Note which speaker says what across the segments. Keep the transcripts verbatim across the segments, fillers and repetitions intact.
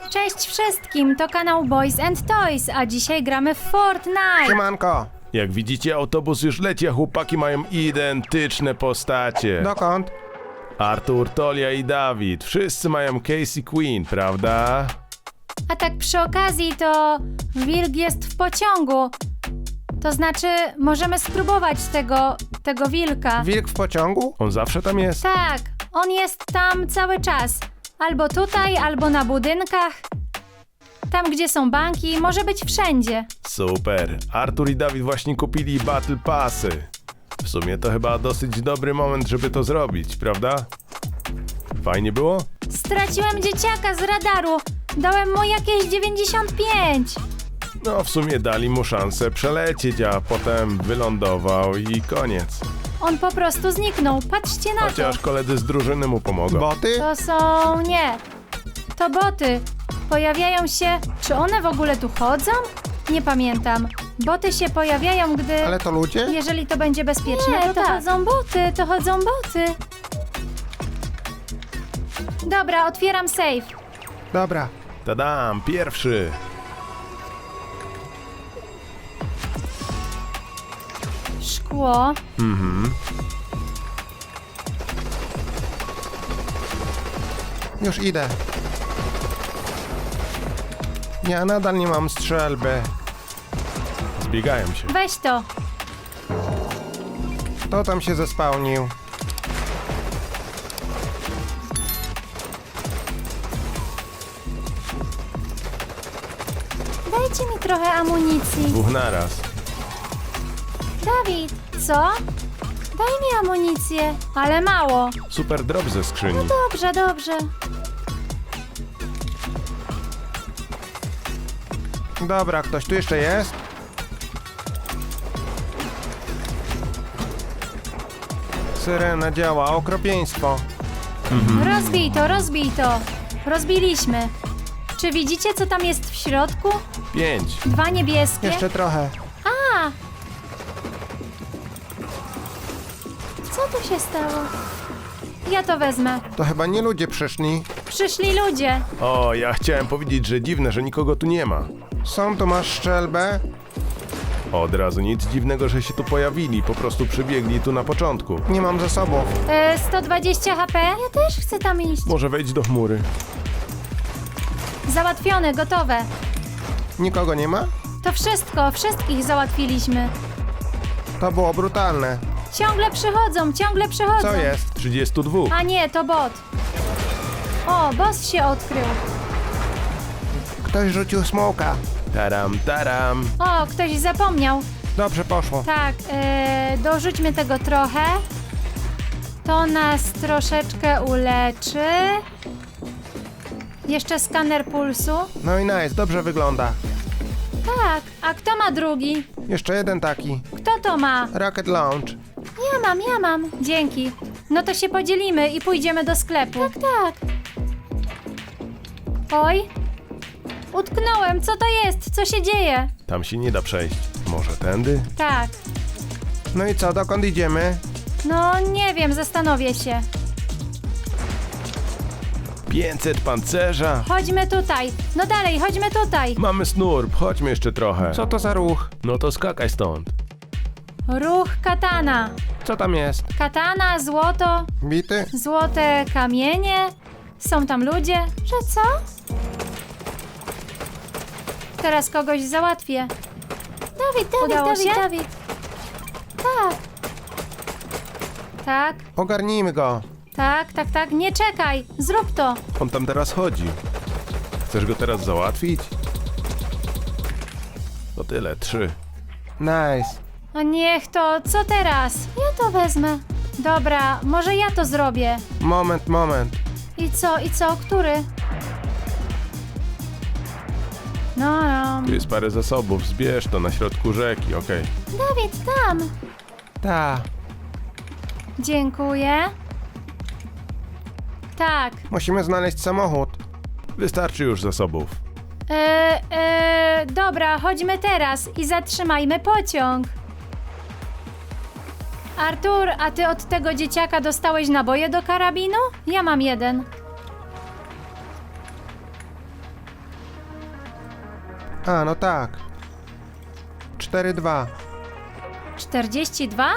Speaker 1: Cześć wszystkim, to kanał Boys and Toys, a dzisiaj gramy w Fortnite.
Speaker 2: Siemanko!
Speaker 3: Jak widzicie, autobus już leci, a chłopaki mają identyczne postacie.
Speaker 2: Dokąd?
Speaker 3: Artur, Tolia i Dawid. Wszyscy mają Casey Queen, prawda?
Speaker 1: A tak przy okazji to wilk jest w pociągu. To znaczy, możemy spróbować tego, tego wilka.
Speaker 2: Wilk w pociągu?
Speaker 3: On zawsze tam jest?
Speaker 1: Tak, on jest tam cały czas. Albo tutaj, albo na budynkach. Tam, gdzie są banki, może być wszędzie.
Speaker 3: Super. Artur i Dawid właśnie kupili Battle Passy. W sumie to chyba dosyć dobry moment, żeby to zrobić, prawda? Fajnie było?
Speaker 1: Straciłem dzieciaka z radaru. Dałem mu jakieś dziewięćdziesiąt pięć.
Speaker 3: No, w sumie dali mu szansę przelecieć, a potem wylądował i koniec.
Speaker 1: On po prostu zniknął. Patrzcie na
Speaker 3: Chociaż
Speaker 1: to.
Speaker 3: koledzy z drużyny mu pomogą.
Speaker 2: Boty?
Speaker 1: To są... nie. To boty. Pojawiają się... Czy one w ogóle tu chodzą? Nie pamiętam. Boty się pojawiają, gdy...
Speaker 2: Ale to ludzie?
Speaker 1: Jeżeli to będzie bezpieczne,
Speaker 4: Nie,
Speaker 1: to,
Speaker 4: to
Speaker 1: tak.
Speaker 4: chodzą
Speaker 1: boty, to chodzą boty. Dobra, otwieram safe.
Speaker 2: Dobra.
Speaker 3: Tadam, pierwszy.
Speaker 1: Szkło.
Speaker 3: Mhm.
Speaker 2: Już idę. Ja nadal nie mam strzelby.
Speaker 3: Zbiegają się.
Speaker 1: Weź to.
Speaker 2: Kto tam się zespałnił?
Speaker 1: Dajcie mi trochę amunicji.
Speaker 3: Dwóch naraz.
Speaker 1: Dawid, co? Daj mi amunicję. Ale mało.
Speaker 3: Super drop ze skrzyni.
Speaker 1: Dobrze, dobrze.
Speaker 2: Dobra, ktoś tu jeszcze jest? Syrena działa, okropieństwo.
Speaker 1: Rozbij to, rozbij to. Rozbiliśmy. Czy widzicie, co tam jest w środku?
Speaker 3: Pięć.
Speaker 1: Dwa niebieskie.
Speaker 2: Jeszcze trochę.
Speaker 1: A! Co tu się stało? Ja to wezmę.
Speaker 2: To chyba nie ludzie przyszli.
Speaker 1: Przyszli ludzie.
Speaker 3: O, ja chciałem powiedzieć, że dziwne, że nikogo tu nie ma.
Speaker 2: Są tu, masz strzelbę?
Speaker 3: Od razu nic dziwnego, że się tu pojawili, po prostu przybiegli tu na początku.
Speaker 2: Nie mam zasobów.
Speaker 1: E, sto dwadzieścia H P? Ja też chcę tam iść.
Speaker 3: Może wejdź do chmury.
Speaker 1: Załatwione, gotowe.
Speaker 2: Nikogo nie ma?
Speaker 1: To wszystko, wszystkich załatwiliśmy.
Speaker 2: To było brutalne.
Speaker 1: Ciągle przychodzą, ciągle przychodzą.
Speaker 2: Co jest?
Speaker 3: trzydziestu dwóch.
Speaker 1: A nie, to bot. O, boss się odkrył.
Speaker 2: Ktoś rzucił smoka.
Speaker 3: Taram, taram.
Speaker 1: O, ktoś zapomniał.
Speaker 2: Dobrze poszło.
Speaker 1: Tak, e, dorzućmy tego trochę. To nas troszeczkę uleczy. Jeszcze skaner pulsu.
Speaker 2: No i nice, dobrze wygląda.
Speaker 1: Tak, a kto ma drugi?
Speaker 2: Jeszcze jeden taki.
Speaker 1: Kto to ma?
Speaker 2: Rocket Launch.
Speaker 1: Ja mam, ja mam. Dzięki. No to się podzielimy i pójdziemy do sklepu. Tak, tak. Oj. Utknąłem, co to jest? Co się dzieje?
Speaker 3: Tam się nie da przejść. Może tędy?
Speaker 1: Tak.
Speaker 2: No i co, dokąd idziemy?
Speaker 1: No nie wiem, zastanowię się.
Speaker 3: pięćset pancerza.
Speaker 1: Chodźmy tutaj. No dalej, chodźmy tutaj.
Speaker 3: Mamy snurb, chodźmy jeszcze trochę.
Speaker 2: Co to za ruch?
Speaker 3: No to skakaj stąd.
Speaker 1: Ruch katana.
Speaker 2: Co tam jest?
Speaker 1: Katana, złoto,
Speaker 2: Bity?
Speaker 1: złote kamienie. Są tam ludzie. Że co? Teraz kogoś załatwię.
Speaker 4: Dawid, Dawid,
Speaker 1: Udało
Speaker 4: Dawid,
Speaker 1: się?
Speaker 4: Dawid.
Speaker 1: Tak. Tak,
Speaker 2: Ogarnijmy go.
Speaker 1: tak, tak, tak. Nie czekaj. Zrób to.
Speaker 3: On tam teraz chodzi. Chcesz go teraz załatwić? To tyle, trzy.
Speaker 2: Nice.
Speaker 1: A niech to. Co teraz? Ja to wezmę. Dobra, może ja to zrobię.
Speaker 2: Moment, moment.
Speaker 1: I co, i co? Który? No, no.
Speaker 3: Tu jest parę zasobów, zbierz to na środku rzeki, okej.
Speaker 1: Dawid, tam.
Speaker 2: Ta.
Speaker 1: Dziękuję. Tak.
Speaker 2: Musimy znaleźć samochód.
Speaker 3: Wystarczy już zasobów.
Speaker 1: E, e, dobra, chodźmy teraz i zatrzymajmy pociąg. Artur, a ty od tego dzieciaka dostałeś naboje do karabinu? Ja mam jeden.
Speaker 2: A, no tak. cztery dwa.
Speaker 1: czterdzieści dwa?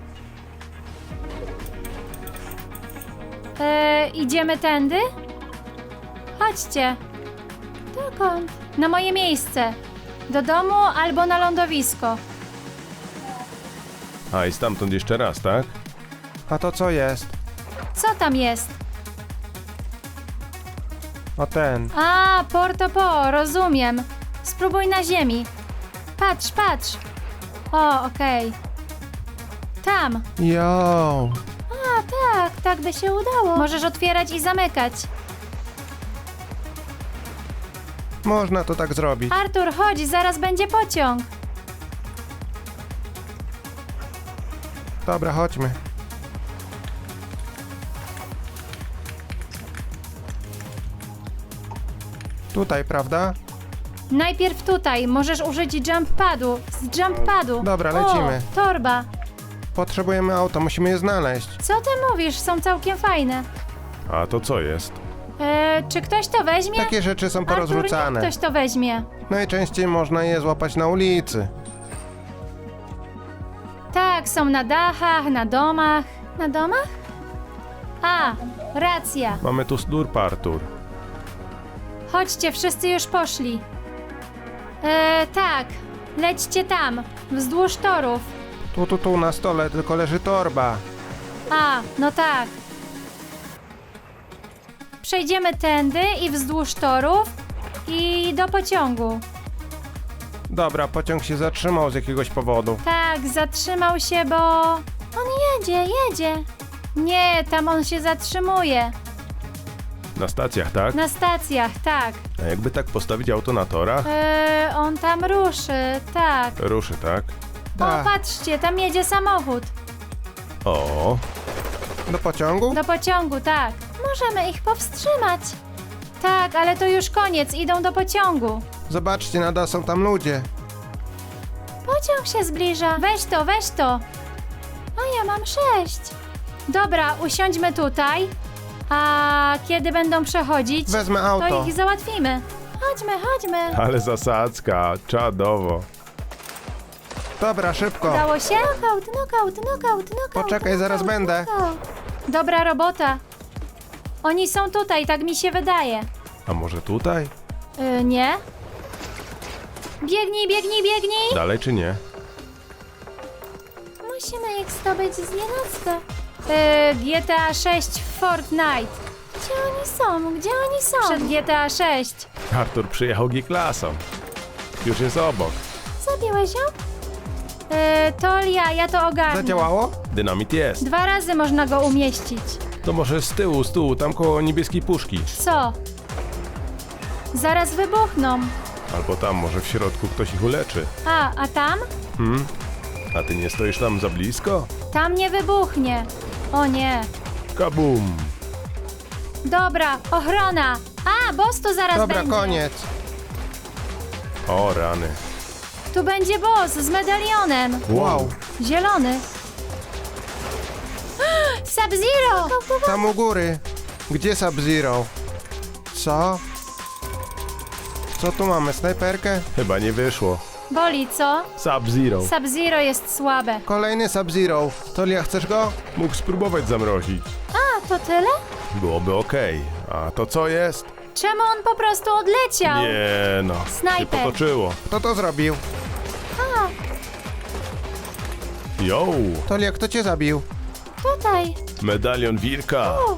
Speaker 1: E, idziemy tędy? Chodźcie. Dokąd? Na moje miejsce. Do domu albo na lądowisko.
Speaker 3: A i stamtąd jeszcze raz, tak?
Speaker 2: A to co jest?
Speaker 1: Co tam jest?
Speaker 2: O ten.
Speaker 1: A, Porto Po, rozumiem. Spróbuj na ziemi. Patrz, patrz. O, okej. Tam.
Speaker 2: Yo.
Speaker 1: A, tak, tak by się udało. Możesz otwierać i zamykać.
Speaker 2: Można to tak zrobić.
Speaker 1: Artur, chodź, zaraz będzie pociąg.
Speaker 2: Dobra, chodźmy. Tutaj, prawda?
Speaker 1: Najpierw tutaj, możesz użyć jump padu. Z jump padu.
Speaker 2: Dobra, lecimy.
Speaker 1: O, torba.
Speaker 2: Potrzebujemy auto, musimy je znaleźć.
Speaker 1: Co ty mówisz? Są całkiem fajne.
Speaker 3: A to co jest?
Speaker 1: E, czy ktoś to weźmie?
Speaker 2: Takie rzeczy są
Speaker 1: Artur,
Speaker 2: porozrzucane.
Speaker 1: niech ktoś to weźmie.
Speaker 2: Najczęściej można je złapać na ulicy.
Speaker 1: Tak, są na dachach, na domach. Na domach? A, racja.
Speaker 3: Mamy tu slurp, Artur.
Speaker 1: Chodźcie, wszyscy już poszli. E, tak, lećcie tam, wzdłuż torów.
Speaker 2: Tu, tu, tu na stole tylko leży torba.
Speaker 1: A, no tak. Przejdziemy tędy i wzdłuż torów i do pociągu.
Speaker 2: Dobra, pociąg się zatrzymał z jakiegoś powodu.
Speaker 1: Tak, zatrzymał się, bo... On jedzie, jedzie. Nie, tam on się zatrzymuje.
Speaker 3: Na stacjach, tak?
Speaker 1: Na stacjach, tak.
Speaker 3: A jakby tak postawić auto na torach?
Speaker 1: E, on tam ruszy, tak.
Speaker 3: Ruszy, tak?
Speaker 1: O,
Speaker 2: Tak.
Speaker 1: patrzcie, tam jedzie samochód.
Speaker 3: O,
Speaker 2: Do pociągu?
Speaker 1: Do pociągu, tak. Możemy ich powstrzymać. Tak, ale to już koniec, idą do pociągu.
Speaker 2: Zobaczcie, nadal są tam ludzie.
Speaker 1: Pociąg się zbliża. Weź to, weź to. A ja mam sześć. Dobra, usiądźmy tutaj. A kiedy będą przechodzić,
Speaker 2: Wezmę
Speaker 1: to
Speaker 2: auto.
Speaker 1: ich załatwimy. Chodźmy, chodźmy.
Speaker 3: ale zasadzka, czadowo.
Speaker 2: Dobra, szybko.
Speaker 1: Udało się? Knockout, knockout, knockout, knockout.
Speaker 2: Poczekaj, zaraz
Speaker 1: knockout,
Speaker 2: będę.
Speaker 1: knockout. Dobra robota. Oni są tutaj, tak mi się wydaje.
Speaker 3: A może tutaj?
Speaker 1: Yy, nie? Biegnij, biegnij, biegnij!
Speaker 3: Dalej czy nie?
Speaker 1: Musimy ich zdobyć z nienacka. Yy, G T A sześć w Fortnite. Gdzie oni są? Gdzie oni są? Przed G T A sześć.
Speaker 3: Artur przyjechał G-klasą. Już jest obok.
Speaker 1: Zabiłeś ją? Yy, Tolia, ja to ogarnę.
Speaker 2: Zadziałało?
Speaker 3: Dynamit jest.
Speaker 1: Dwa razy można go umieścić.
Speaker 3: To może z tyłu, z tyłu, tam koło niebieskiej puszki.
Speaker 1: Co? Zaraz wybuchną.
Speaker 3: Albo tam, może w środku ktoś ich uleczy.
Speaker 1: A, a tam?
Speaker 3: Hmm? A ty nie stoisz tam za blisko?
Speaker 1: Tam nie wybuchnie. O nie.
Speaker 3: Kabum!
Speaker 1: Dobra, ochrona. A, boss tu zaraz
Speaker 2: Dobra,
Speaker 1: będzie.
Speaker 2: koniec.
Speaker 3: O rany.
Speaker 1: Tu będzie boss z medalionem.
Speaker 2: Wow.
Speaker 1: Zielony. Sub-Zero!
Speaker 2: Tam u góry. Gdzie Sub-Zero? Co? Co tu mamy? Snajperkę?
Speaker 3: Chyba nie wyszło.
Speaker 1: Boli, co?
Speaker 3: Sub-Zero.
Speaker 1: Sub-Zero jest słabe.
Speaker 2: Kolejny Sub-Zero. Tolia, chcesz go?
Speaker 3: Mógł spróbować zamrozić.
Speaker 1: A, to tyle?
Speaker 3: Byłoby okej. A to co jest?
Speaker 1: Czemu on po prostu odleciał?
Speaker 3: Nie no.
Speaker 1: Snajper.
Speaker 3: Się potoczyło.
Speaker 2: Kto to zrobił?
Speaker 1: A,
Speaker 3: Yo!
Speaker 2: Tolia, kto cię zabił?
Speaker 1: tutaj.
Speaker 3: Medalion wilka.
Speaker 1: U.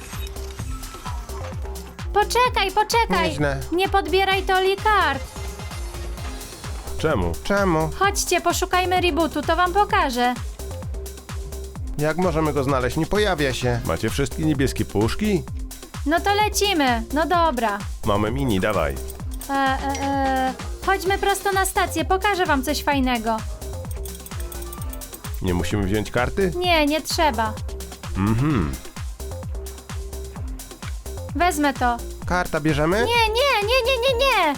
Speaker 1: Poczekaj, poczekaj.
Speaker 2: Nieźle.
Speaker 1: Nie podbieraj Toli kart.
Speaker 3: Czemu?
Speaker 2: Czemu?
Speaker 1: Chodźcie, poszukajmy rebootu, to wam pokażę.
Speaker 2: Jak możemy go znaleźć? Nie pojawia się.
Speaker 3: Macie wszystkie niebieskie puszki?
Speaker 1: No to lecimy. No dobra.
Speaker 3: Mamy mini, dawaj.
Speaker 1: E, e, e, chodźmy prosto na stację, pokażę wam coś fajnego.
Speaker 3: Nie musimy wziąć karty?
Speaker 1: Nie, nie trzeba.
Speaker 3: Mhm.
Speaker 1: Wezmę to.
Speaker 2: Karta bierzemy?
Speaker 1: Nie, nie, nie, nie, nie, nie.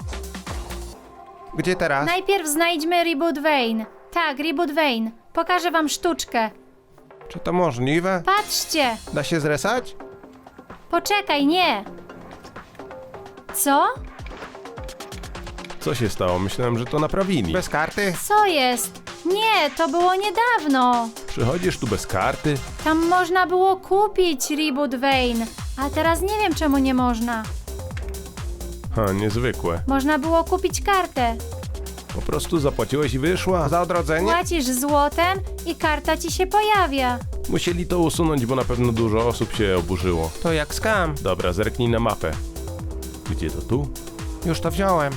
Speaker 2: Gdzie teraz?
Speaker 1: Najpierw znajdźmy Reboot Vane. Tak, Reboot Vane. Pokażę wam sztuczkę.
Speaker 2: Czy to możliwe?
Speaker 1: Patrzcie.
Speaker 2: Da się zresać?
Speaker 1: Poczekaj, nie. Co?
Speaker 3: Co się stało? Myślałem, że to naprawili.
Speaker 2: Bez karty?
Speaker 1: Co jest? Nie, to było niedawno.
Speaker 3: Przychodzisz tu bez karty?
Speaker 1: Tam można było kupić Reboot Vein, a teraz nie wiem czemu nie można.
Speaker 3: Ha, niezwykłe.
Speaker 1: Można było kupić kartę.
Speaker 3: Po prostu zapłaciłeś i wyszła?
Speaker 2: Za odrodzenie?
Speaker 1: Płacisz złotem i karta ci się pojawia.
Speaker 3: Musieli to usunąć, bo na pewno dużo osób się oburzyło.
Speaker 2: To jak skam.
Speaker 3: Dobra, zerknij na mapę. Gdzie to tu?
Speaker 2: Już to wziąłem.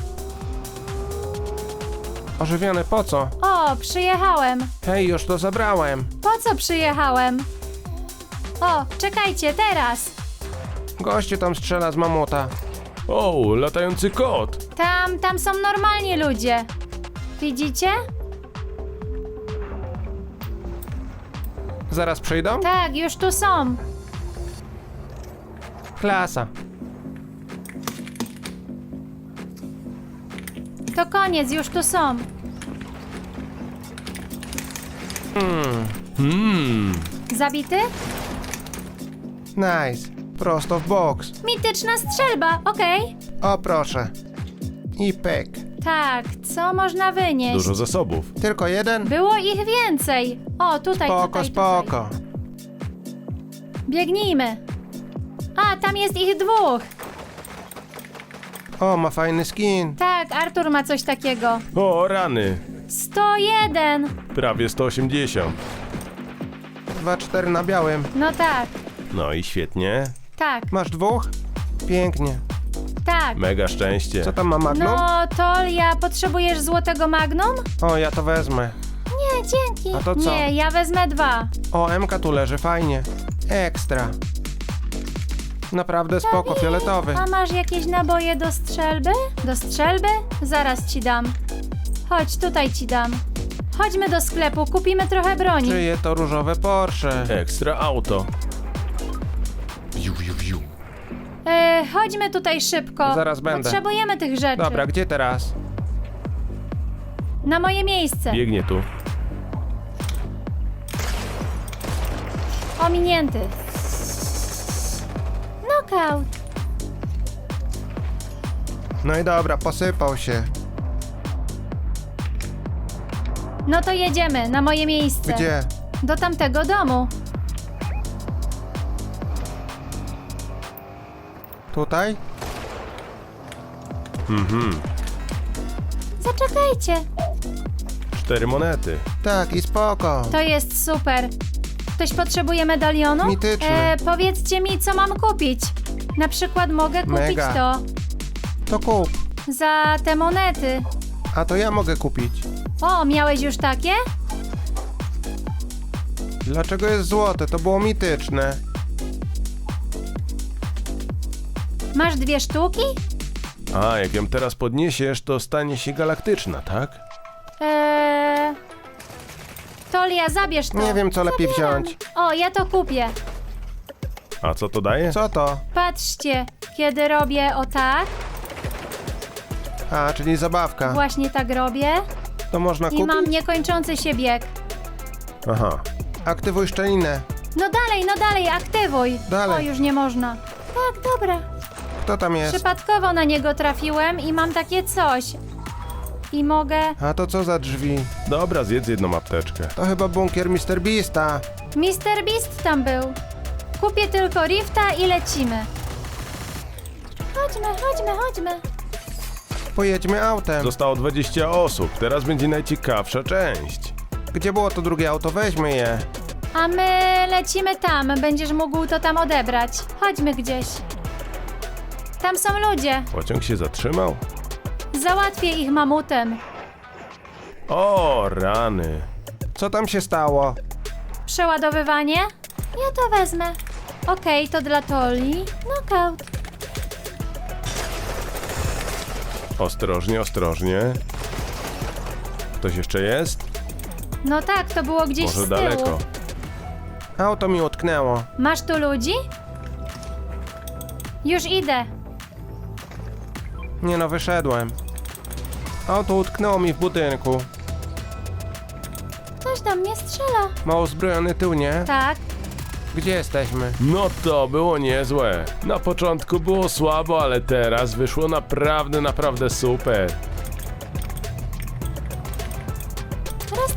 Speaker 2: Ożywiony, po co?
Speaker 1: O, przyjechałem.
Speaker 2: Hej, już to zabrałem.
Speaker 1: Po co przyjechałem? O, czekajcie, teraz.
Speaker 2: Gościu tam strzela z mamuta.
Speaker 3: O, latający kot!
Speaker 1: Tam, tam są normalni ludzie. Widzicie?
Speaker 2: Zaraz przyjdą?
Speaker 1: Tak, już tu są.
Speaker 2: Klasa.
Speaker 1: To koniec, już tu są.
Speaker 3: Hmm,
Speaker 1: Zabity?
Speaker 2: Nice. Prosto w boks.
Speaker 1: Mityczna strzelba, okej.
Speaker 2: O proszę. I pyk.
Speaker 1: Tak, co można wynieść?
Speaker 3: dużo zasobów.
Speaker 2: Tylko jeden?
Speaker 1: Było ich więcej. O, tutaj,
Speaker 2: Spoko,
Speaker 1: tutaj,
Speaker 2: spoko.
Speaker 1: tutaj. Biegnijmy. A, tam jest ich dwóch.
Speaker 2: O, ma fajny skin.
Speaker 1: Tak, Artur ma coś takiego.
Speaker 3: O, rany!
Speaker 1: sto jeden.
Speaker 3: Prawie sto osiemdziesiąt.
Speaker 2: dwa cztery na białym.
Speaker 1: No tak,
Speaker 3: No i świetnie.
Speaker 1: tak,
Speaker 2: Masz dwóch? Pięknie.
Speaker 1: tak.
Speaker 3: Mega szczęście.
Speaker 2: Co tam ma Magnum?
Speaker 1: No, Tolia, potrzebujesz złotego Magnum?
Speaker 2: O, ja to wezmę.
Speaker 1: Nie, dzięki.
Speaker 2: A to co?
Speaker 1: Nie, ja wezmę dwa.
Speaker 2: O, Emka tu leży, fajnie. Ekstra. Naprawdę spoko, fioletowy.
Speaker 1: A masz jakieś naboje do strzelby? Do strzelby? Zaraz ci dam. Chodź, tutaj ci dam. Chodźmy do sklepu, kupimy trochę broni.
Speaker 2: Czyje to różowe Porsche?
Speaker 3: Ekstra auto. Wiu, wiu, wiu.
Speaker 1: E, chodźmy tutaj szybko.
Speaker 2: Zaraz będę.
Speaker 1: Potrzebujemy tych rzeczy.
Speaker 2: Dobra, gdzie teraz?
Speaker 1: Na moje miejsce.
Speaker 3: Biegnie tu.
Speaker 1: Ominięty. Knockout.
Speaker 2: No i dobra, posypał się.
Speaker 1: No to jedziemy na moje miejsce.
Speaker 2: Gdzie?
Speaker 1: Do tamtego domu.
Speaker 2: Tutaj?
Speaker 3: Mhm.
Speaker 1: Zaczekajcie.
Speaker 3: Cztery monety.
Speaker 2: Tak, i spoko.
Speaker 1: To jest super. Ktoś potrzebuje medalionu?
Speaker 2: Mityczny.
Speaker 1: E, powiedzcie mi, co mam kupić. Na przykład mogę kupić
Speaker 2: Mega.
Speaker 1: to
Speaker 2: To kup.
Speaker 1: za te monety.
Speaker 2: A to ja mogę kupić.
Speaker 1: O, miałeś już takie?
Speaker 2: Dlaczego jest złote? To było mityczne.
Speaker 1: Masz dwie sztuki?
Speaker 3: A, jak ją teraz podniesiesz, to stanie się galaktyczna, tak?
Speaker 1: Eee... Tolia, zabierz to.
Speaker 2: Nie wiem, co lepiej
Speaker 1: Zabieram.
Speaker 2: wziąć.
Speaker 1: O, ja to kupię.
Speaker 3: A co to daje?
Speaker 2: Co to?
Speaker 1: Patrzcie, kiedy robię o tak,
Speaker 2: A, czyli zabawka.
Speaker 1: właśnie tak robię
Speaker 2: To można
Speaker 1: i
Speaker 2: kupić?
Speaker 1: mam niekończący się bieg.
Speaker 3: Aha.
Speaker 2: Aktywuj szczelinę.
Speaker 1: No dalej, no dalej, aktywuj.
Speaker 2: Dalej.
Speaker 1: O, już nie można. Tak, dobra.
Speaker 2: Kto tam jest?
Speaker 1: Przypadkowo na niego trafiłem i mam takie coś. I mogę...
Speaker 2: A to co za drzwi?
Speaker 3: Dobra, zjedz jedną apteczkę.
Speaker 2: To chyba bunkier mister Beasta.
Speaker 1: mister Beast tam był. Kupię tylko Rifta i lecimy. Chodźmy, chodźmy, chodźmy.
Speaker 2: Pojedźmy autem.
Speaker 3: Zostało dwadzieścia osób. Teraz będzie najciekawsza część.
Speaker 2: Gdzie było to drugie auto? Weźmy je.
Speaker 1: A my lecimy tam. Będziesz mógł to tam odebrać. Chodźmy gdzieś. Tam są ludzie.
Speaker 3: Pociąg się zatrzymał?
Speaker 1: Załatwię ich mamutem.
Speaker 3: O, rany.
Speaker 2: Co tam się stało?
Speaker 1: Przeładowywanie? Ja to wezmę. Okej, to dla Toli. Knockout.
Speaker 3: Ostrożnie, ostrożnie. Ktoś jeszcze jest?
Speaker 1: No tak, to było gdzieś
Speaker 3: Może
Speaker 1: z tyłu.
Speaker 3: daleko.
Speaker 2: Auto mi utknęło.
Speaker 1: Masz tu ludzi? Już idę.
Speaker 2: Nie no, wyszedłem. Auto utknęło mi w budynku.
Speaker 1: Ktoś do mnie strzela.
Speaker 2: Ma uzbrojony tył, nie?
Speaker 1: Tak.
Speaker 2: Gdzie jesteśmy?
Speaker 3: No to było niezłe. Na początku było słabo, ale teraz wyszło naprawdę, naprawdę super.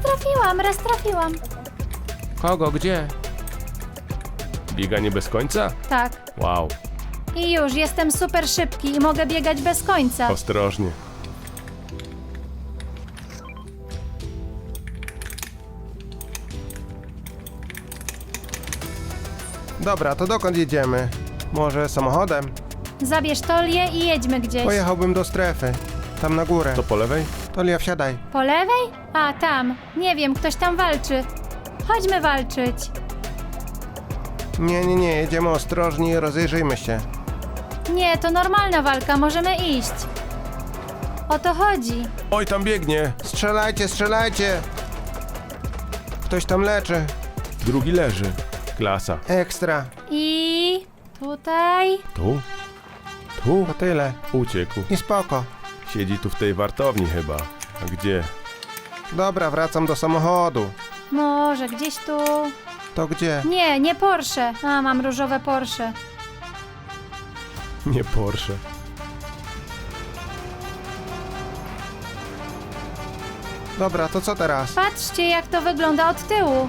Speaker 1: trafiłam, raz trafiłam.
Speaker 2: Kogo, gdzie?
Speaker 3: Bieganie bez końca?
Speaker 1: Tak.
Speaker 3: Wow,
Speaker 1: I już, jestem super szybki i mogę biegać bez końca.
Speaker 3: ostrożnie.
Speaker 2: Dobra, to dokąd jedziemy? Może samochodem?
Speaker 1: Zabierz Tolię i jedźmy gdzieś.
Speaker 2: Pojechałbym do strefy. Tam na górę.
Speaker 3: To po lewej?
Speaker 2: Tolia, wsiadaj.
Speaker 1: Po lewej? A, tam. Nie wiem, ktoś tam walczy. Chodźmy walczyć.
Speaker 2: Nie, nie, nie, jedziemy ostrożnie i rozejrzyjmy się.
Speaker 1: Nie, to normalna walka, możemy iść. O to chodzi.
Speaker 3: Oj, tam biegnie.
Speaker 2: Strzelajcie, strzelajcie! Ktoś tam leczy.
Speaker 3: Drugi leży. Klasa.
Speaker 2: Ekstra.
Speaker 1: I tutaj.
Speaker 3: Tu? Tu?
Speaker 2: To tyle.
Speaker 3: Uciekł.
Speaker 2: I spoko.
Speaker 3: Siedzi tu w tej wartowni chyba. A gdzie?
Speaker 2: Dobra, wracam do samochodu.
Speaker 1: Może gdzieś tu.
Speaker 2: To gdzie?
Speaker 1: Nie, nie Porsche. A, mam różowe Porsche.
Speaker 3: Nie Porsche.
Speaker 2: Dobra, to co teraz?
Speaker 1: Patrzcie, jak to wygląda od tyłu.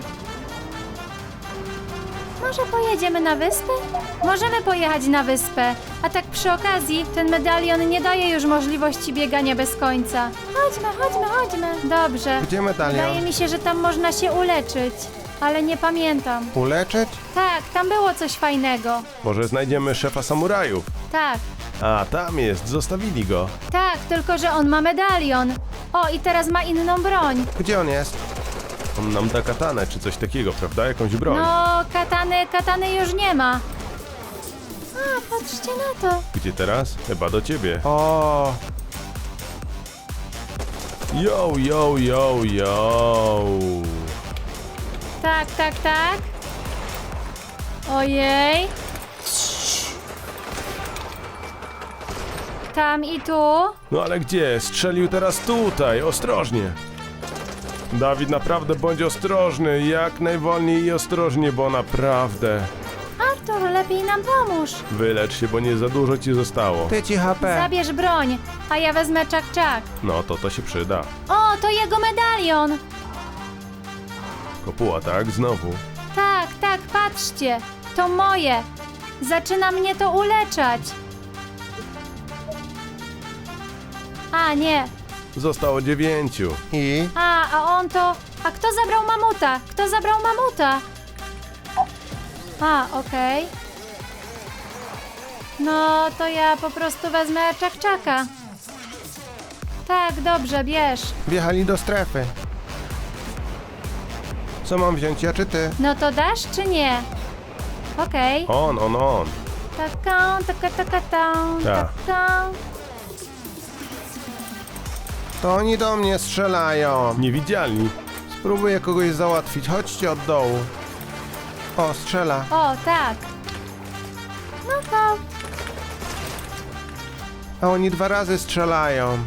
Speaker 1: Może pojedziemy na wyspę? Możemy pojechać na wyspę. A tak przy okazji, ten medalion nie daje już możliwości biegania bez końca. Chodźmy, chodźmy, chodźmy. Dobrze.
Speaker 2: Gdzie medalion?
Speaker 1: Wydaje mi się, że tam można się uleczyć. Ale nie pamiętam.
Speaker 2: Uleczyć?
Speaker 1: Tak, tam było coś fajnego.
Speaker 3: Może znajdziemy szefa samurajów?
Speaker 1: Tak,
Speaker 3: A, tam jest. Zostawili go.
Speaker 1: tak, tylko że on ma medalion. O, i teraz ma inną broń.
Speaker 2: Gdzie on jest?
Speaker 3: On nam da katanę czy coś takiego, prawda? Jakąś broń.
Speaker 1: No, katany, katany już nie ma. A, patrzcie na to.
Speaker 3: Gdzie teraz? Chyba do ciebie.
Speaker 2: O,
Speaker 3: Yo, yo, yo, yo.
Speaker 1: Tak, tak, tak. Ojej. Tam i tu.
Speaker 3: No ale gdzie? Strzelił teraz tutaj. Ostrożnie. Dawid, naprawdę bądź ostrożny. Jak najwolniej i ostrożnie, bo naprawdę.
Speaker 1: Artur, lepiej nam pomóż.
Speaker 3: Wylecz się, bo nie za dużo ci zostało.
Speaker 2: ty ci H P.
Speaker 1: Zabierz broń, a ja wezmę czak-czak.
Speaker 3: No to to się przyda.
Speaker 1: O, to jego medalion.
Speaker 3: Kopuła, tak? Znowu.
Speaker 1: Tak, tak, patrzcie. To moje. Zaczyna mnie to uleczać. A, nie.
Speaker 3: Zostało dziewięciu.
Speaker 2: I?
Speaker 1: A, a on to... A kto zabrał mamuta? Kto zabrał mamuta? A, okej. No, to ja po prostu wezmę czak-czaka. Tak, dobrze, bierz.
Speaker 2: Wjechali do strefy. Co mam wziąć, ja czy ty?
Speaker 1: No to dasz czy nie? Okej.
Speaker 3: On, on, on.
Speaker 1: Taką, taka, taka, tą,
Speaker 3: Tak.
Speaker 1: taką.
Speaker 2: To oni do mnie strzelają.
Speaker 3: Niewidzialni.
Speaker 2: Spróbuję kogoś załatwić. Chodźcie od dołu. O, strzela.
Speaker 1: O, tak. No to...
Speaker 2: A oni dwa razy strzelają.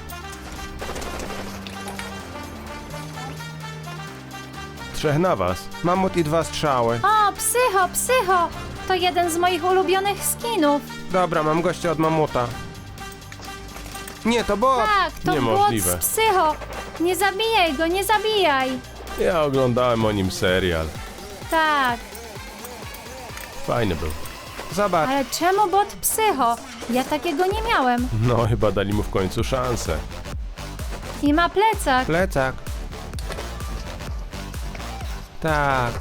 Speaker 3: Trzech na was.
Speaker 2: Mamut i dwa strzały.
Speaker 1: O, psycho, psycho. To jeden z moich ulubionych skinów.
Speaker 2: Dobra, mam gościa od mamuta. Nie, to bot.
Speaker 1: Tak, to bot
Speaker 3: Niemożliwe.
Speaker 1: z psycho. Nie zabijaj go, nie zabijaj.
Speaker 3: Ja oglądałem o nim serial.
Speaker 1: Tak,
Speaker 3: Fajny był.
Speaker 2: Zobacz.
Speaker 1: ale czemu bot psycho? Ja takiego nie miałem.
Speaker 3: No, chyba dali mu w końcu szansę.
Speaker 1: I ma plecak.
Speaker 2: Plecak. Tak.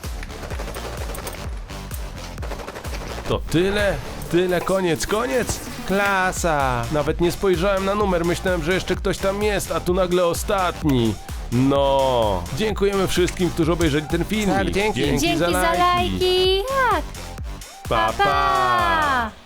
Speaker 3: To tyle? Tyle, koniec, koniec?
Speaker 2: Klasa.
Speaker 3: Nawet nie spojrzałem na numer, myślałem, że jeszcze ktoś tam jest, a tu nagle ostatni. No, dziękujemy wszystkim, którzy obejrzeli ten filmik.
Speaker 2: Tak, dzięki.
Speaker 1: Dzięki za lajki. Tak,
Speaker 3: Pa,
Speaker 1: pa!
Speaker 3: pa.